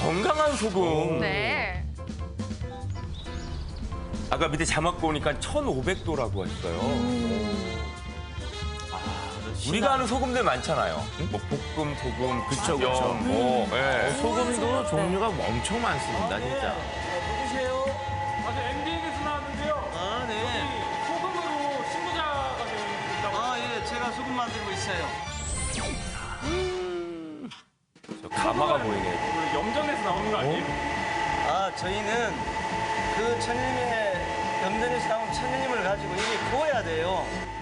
건강한 소금. 네. 아까 밑에 자막 보니까 1,500도라고 했어요. 우리가 아는 소금들 많잖아요. 뭐 볶음 소금, 그쵸, 그쵸, 그쵸. 뭐. 예. 소금도 종류가 엄청 많습니다, 진짜. 누구세요? 저 MBN에서 나왔는데요. 아, 네. 여기 소금으로 신고자가 되어 있다고. 아, 예, 제가 소금 만들고 있어요. 저 가마가 보이네요. 그 염전에서 나오는 거 아니에요? 아, 저희는 그 천일님의 염전에서 나온 천일님을 가지고 이게 구워야 돼요.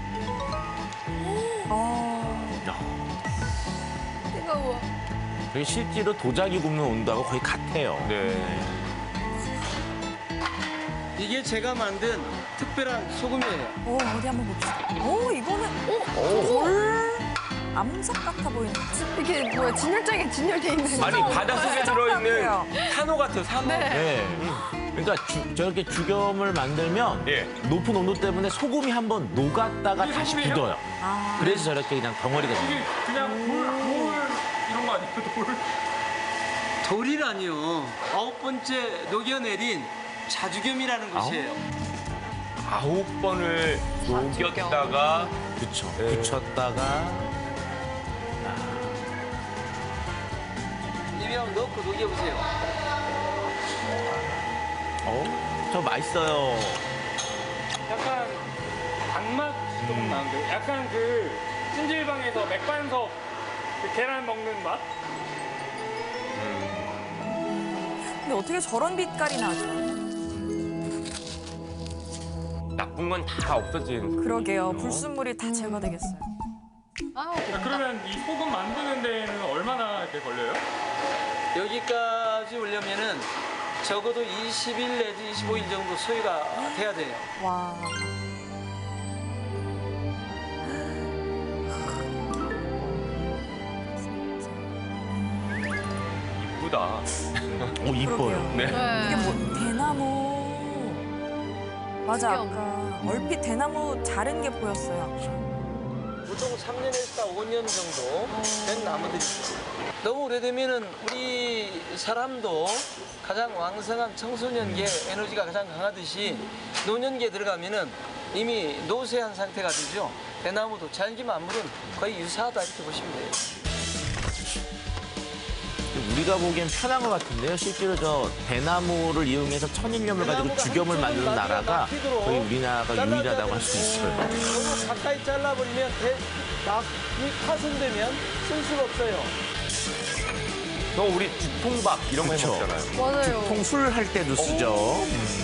뜨거워. 저게 실제로 도자기 굽는 온도하고 거의 같아요. 네. 이게 제가 만든 특별한 소금이에요. 어디 한번 봅시다. 이거는 돌 암석 같아 보이는데. 이게 뭐야, 진열장에 진열돼 있는. 아니, 바닷속에 들어있는 같아요. 산호 같아요, 산호. 네. 그러니까 저렇게 죽염을 만들면 예. 높은 온도 때문에 소금이 한번 녹았다가 이게 다시 소금이에요? 굳어요. 아. 그래서 저렇게 그냥 덩어리가 돼요. 이게 그냥 돌 이런 거 아니에요? 돌. 돌이라니요. 9번째 녹여내린 자주겸이라는 것이에요. 9번을 녹였다가 그쵸. 네. 굳혔다가 입에 한번 넣고 녹여보세요. 저 맛있어요. 약간 단맛 조금 나는데 약간 그 찜질방에서 맥반석 그 계란 먹는 맛? 근데 어떻게 저런 빛깔이 나죠? 나쁜 건 다 없어진. 그러게요. 불순물이 다 제거되겠어요. 아우, 그러면 이 소금 만드는 데는 얼마나 이렇게 걸려요? 여기까지 오려면은 적어도 20일 내지 25일 정도 소요가 돼야 돼요. 와. 이쁘다. 오, 이뻐요. 그러게요. 네. 이게 뭐 대나무. 맞아, 신기하다. 아까 얼핏 대나무 자른 게 보였어요. 아까. 보통 3년에서 5년 정도 된 나무들이죠. 너무 오래되면은 우리 사람도 가장 왕성한 청소년기에 에너지가 가장 강하듯이 노년기에 들어가면은 이미 노쇠한 상태가 되죠. 대나무도 자연계 만물은 거의 유사하다 이렇게 보시면 돼요. 우리가 보기엔 편한 것 같은데요. 실제로 저 대나무를 이용해서 천일염을 가지고 죽염을 만드는 나라가 거의 우리나라가 유일하다고 할 수 있어요. 너무 가까이 잘라버리면 막이 파손되면 쓸 수가 없어요. 저 우리 죽통밥 이런 거 그쵸. 해먹잖아요. 맞아요. 통술 할 때도 쓰죠.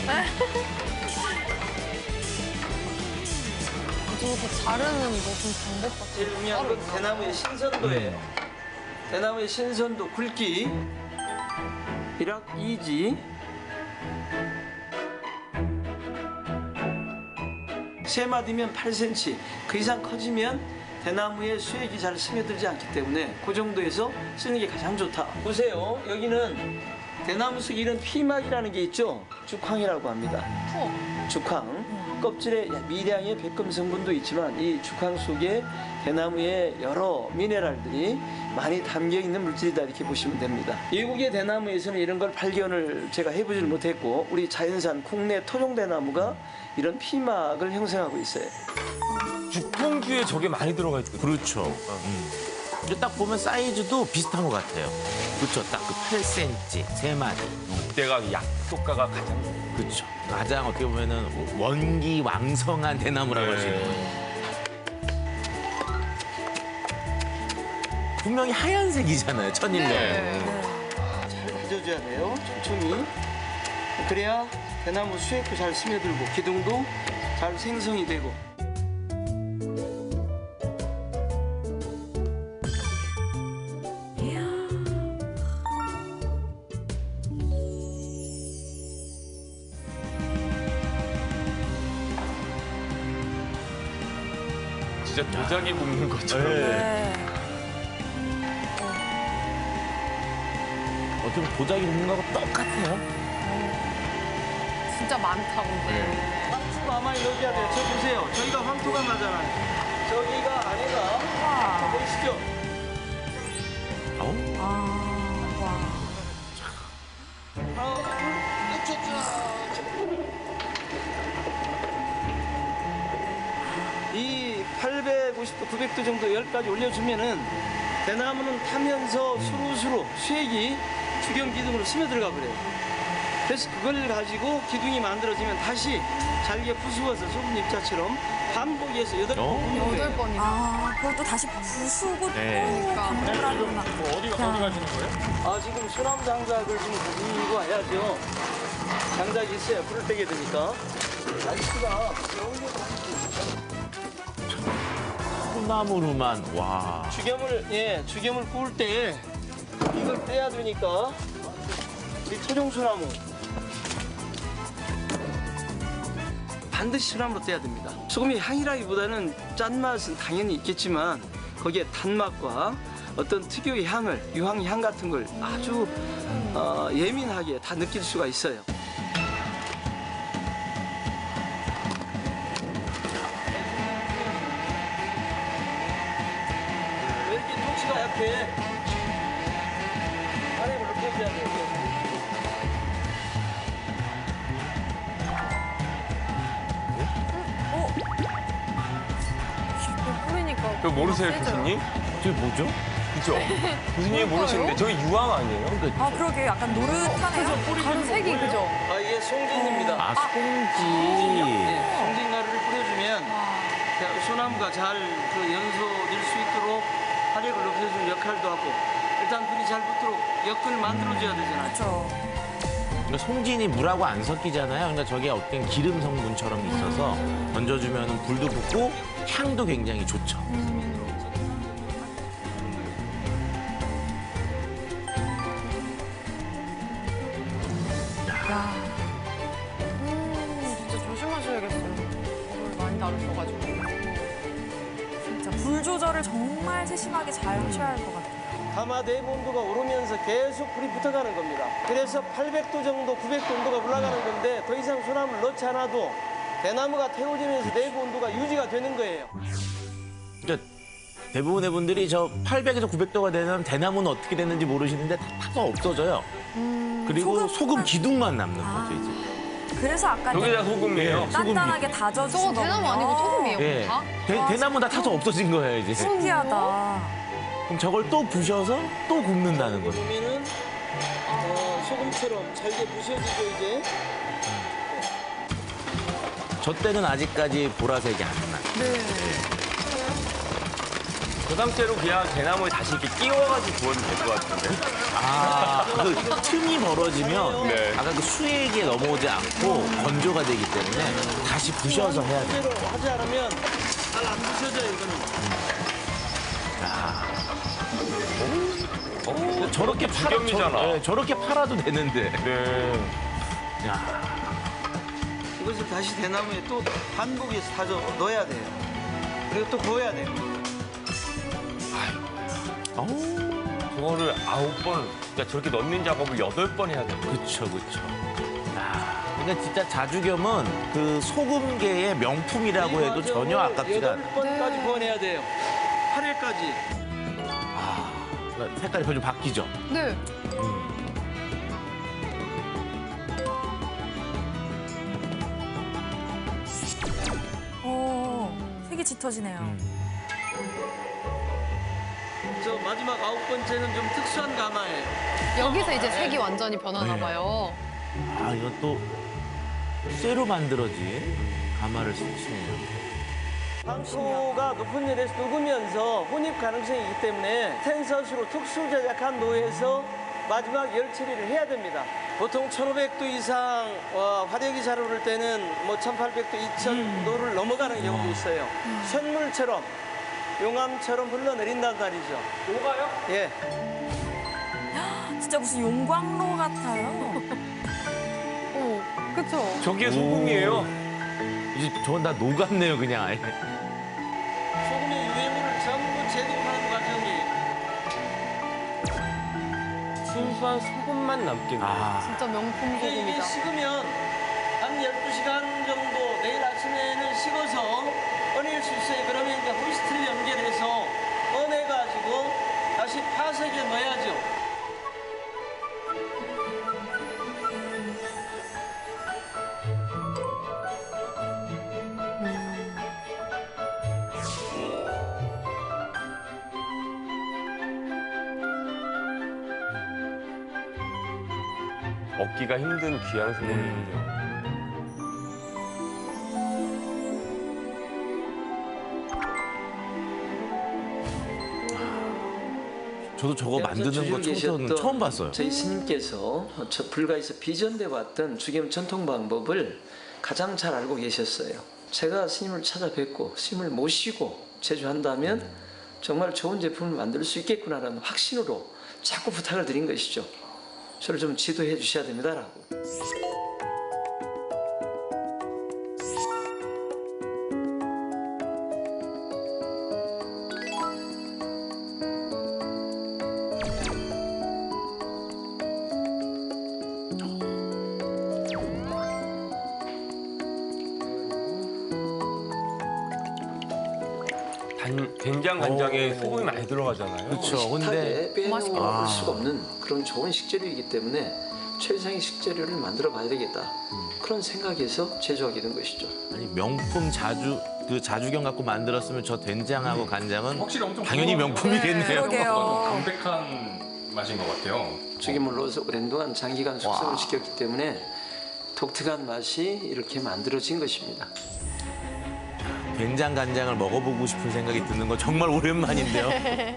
저렇게 자르는 무슨 방법 같은 제일 중요한 건 대나무의 신선도예요. 대나무의 신선도, 굵기, 비락 2지, 세 마디면 8cm, 그 이상 커지면 대나무의 수액이 잘 스며들지 않기 때문에 그 정도에서 쓰는 게 가장 좋다. 보세요, 여기는 대나무 속 이런 피막이라는 게 있죠. 죽황이라고 합니다. 죽황. 껍질에 미량의 백금 성분도 있지만 이 죽황 속에 대나무의 여러 미네랄들이 많이 담겨 있는 물질이다 이렇게 보시면 됩니다. 외국의 대나무에서는 이런 걸 발견을 제가 해보질 못했고 우리 자연산 국내 토종 대나무가 이런 피막을 형성하고 있어요. 죽통주에 저게 많이 들어가 있거든요. 그렇죠. 근데 딱 보면 사이즈도 비슷한 것 같아요. 그렇죠. 딱 그 8cm, 세 마디. 그때가 약효과가 가장. 그렇죠. 가장 어떻게 보면은 원기 왕성한 대나무라고 할 수 있는 거예요. 분명히 하얀색이잖아요, 천일염. 네. 잘 다져줘야 돼요. 천천히. 그래야 대나무 수액도 잘 스며들고 기둥도 잘 생성이 되고. 진짜 도자기 굽는 것처럼. 네. 어떻게 보면 도자기 굽는 거하고 똑같아요. 진짜 많다, 근데. 황토가 많이 넣어줘야 돼요. 저 보세요. 저기가 황토가 나잖아요. 저기가 안에가 와. 보이시죠? 아우. 아, 와. 또 900도 정도 열까지 올려주면은 대나무는 타면서 수루수루 수액이 주경 기둥으로 스며들어가 버려요. 그래서 그걸 가지고 기둥이 만들어지면 다시 잘게 부수어서 소금 입자처럼 반복해서 8번 굽는 거예요. 8번이나. 아, 그걸 또 다시 부수고 네. 또 반복하구나. 뭐 어디 가시는 거예요? 아, 지금 소나무 장작을 지금 굽고 와야죠. 장작이 있어야 불을 떼게 되니까. 날씨가 소나무로만 와. 죽염을 구울 때 이걸 떼야 되니까 이 토종소나무 반드시 소나무로 떼야 됩니다. 소금이 향이라기보다는 짠맛은 당연히 있겠지만 거기에 단맛과 어떤 특유의 향을 유황향 같은 걸 아주 예민하게 다 느낄 수가 있어요. 왜 이렇게 통치가 약해? 안에 물로 펴줘야 돼요. 뿌리니까. 그거 모르세요, 세져요. 교수님? 저게 뭐죠? 그죠? 교수님이 모르시는데 저게 유황 아니에요? 아, 그러게 약간 노릇하네요. 가루 색이 그죠? 아, 이게 송진입니다. 아, 송지. 네, 송진가루를 뿌려주면 소나무가 잘 그 연소될 수 있도록 화력을 높여주는 역할도 하고 일단 불이 잘 붙도록 엮을 만들어줘야 되잖아요. 그렇죠. 그러니까 송진이 물하고 안 섞이잖아요. 그러니까 저게 어떤 기름 성분처럼 있어서 던져주면 불도 붙고 향도 굉장히 좋죠. 야, 진짜 조심하셔야겠어요. 불을 많이 다루셔가지고. 진짜 불 조절을 정말 세심하게 잘 하셔야 할 것 같아요. 가마 내부 온도가 오르면서 계속 불이 붙어가는 겁니다. 그래서 800도 정도, 900도 온도가 올라가는 건데 더 이상 소나무를 넣지 않아도 대나무가 태워지면서 내부 온도가 유지가 되는 거예요. 그러니까 대부분의 분들이 저 800에서 900도가 되면 대나무는 어떻게 됐는지 모르시는데 다 타서 없어져요. 그리고 소금 기둥만 남는 거죠, 이제. 그래서 아까 저게 다 소금이에요. 단단하게 다져주신 저거 대나무 거군요. 아니고 소금이에요? 예. 다? 대나무 다 타서 없어진 거예요, 이제. 신기하다. 그럼 저걸 또 부셔서 또 굽는다는 거죠. 보면은 소금처럼 잘게 부셔지죠 이제. 저 때는 아직까지 보라색이 안 나요. 그 상태로 그냥 대나무에 다시 이렇게 끼워가지고 구워도 될 것 같은데. 아, 그 틈이 벌어지면 네. 아까 그 수액에 넘어오지 않고 건조가 되기 때문에 다시 부셔서 해야 돼요. 그대로 하지 않으면 잘 안 부셔져요 이거는. 저렇게 죽염이잖아. 저렇게 팔아도 되는데. 네. 야, 이것을 다시 대나무에 또 반복해서 다져 넣어야 돼요. 그리고 또 구워야 돼요. 어우, 그거를 9번, 그러니까 저렇게 넣는 작업을 8번 해야 돼요. 그쵸. 야, 그러니까 진짜 자주겸은 그 소금계의 명품이라고 해도 전혀 아깝지가 않아요. 8번까지 구워내야 돼요. 8회까지. 그러니까 색깔이 좀 바뀌죠. 네. 오, 색이 짙어지네요. 저 마지막 9번째는 좀 특수한 가마예요. 여기서 이제 색이 완전히 변하나 네. 봐요. 아, 이건 또 쇠로 만들어진 가마를 쓰시네요. 황토가 높은 열에서 녹으면서 혼입 가능성이 있기 때문에 텐서스로 특수 제작한 노에서 마지막 열 처리를 해야 됩니다. 보통 1500도 이상 화력이 잘 오를 때는 뭐 1800도, 2000도를 넘어가는 경우도 있어요. 쇳물처럼 용암처럼 흘러내린단 말이죠. 녹아요? 예. 진짜 무슨 용광로 같아요. 오, 그쵸? 저게 소금이에요. 이제 저건 다 녹았네요, 그냥 아예. 소금의 유해물을 전부 제거하는 과정이 순수한 소금만 남겠네요. 아, 진짜 명품 이게 소금이다. 식으면 한 12시간 정도 내일 아침에는 식어서 꺼낼 수 있어요. 그러면 이제 호이스트를 연결해서 꺼내가지고 다시 파석에 넣어야죠. 얻기가 힘든 귀한 수분인데요. 저도 저거 만드는 거 청소는 처음 봤어요. 저희 스님께서 저 불가에서 비전돼 왔던 주겸 전통 방법을 가장 잘 알고 계셨어요. 제가 스님을 찾아뵙고 스님을 모시고 제조한다면 정말 좋은 제품을 만들 수 있겠구나라는 확신으로 자꾸 부탁을 드린 것이죠. 저를 좀 지도해 주셔야 됩니다라고. 된장 간장에 소금이 많이 들어가잖아요. 그렇죠. 근데 식탁에 빼놓을 아. 수가 없는 그런 좋은 식재료이기 때문에 최상의 식재료를 만들어 봐야 되겠다. 그런 생각에서 제조하게 된 것이죠. 아니 명품 자주 그 자주경 갖고 만들었으면 저 된장하고 간장은 확실히 엄청 당연히 명품이겠네요. 그러게요. 담백한 맛인 것 같아요. 죽이물로서 오랜 동안 장기간 숙성을 시켰기 때문에 독특한 맛이 이렇게 만들어진 것입니다. 된장 간장을 먹어보고 싶은 생각이 드는 건 정말 오랜만인데요.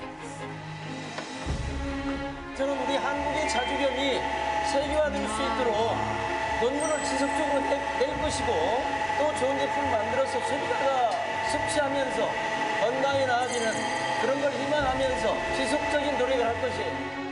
저는 우리 한국의 자주경이 세계화될 수 있도록 논문을 지속적으로 낼 것이고 또 좋은 제품을 만들어서 소비자가 섭취하면서 건강이 나아지는 그런 걸 희망하면서 지속적인 노력을 할 것이에요.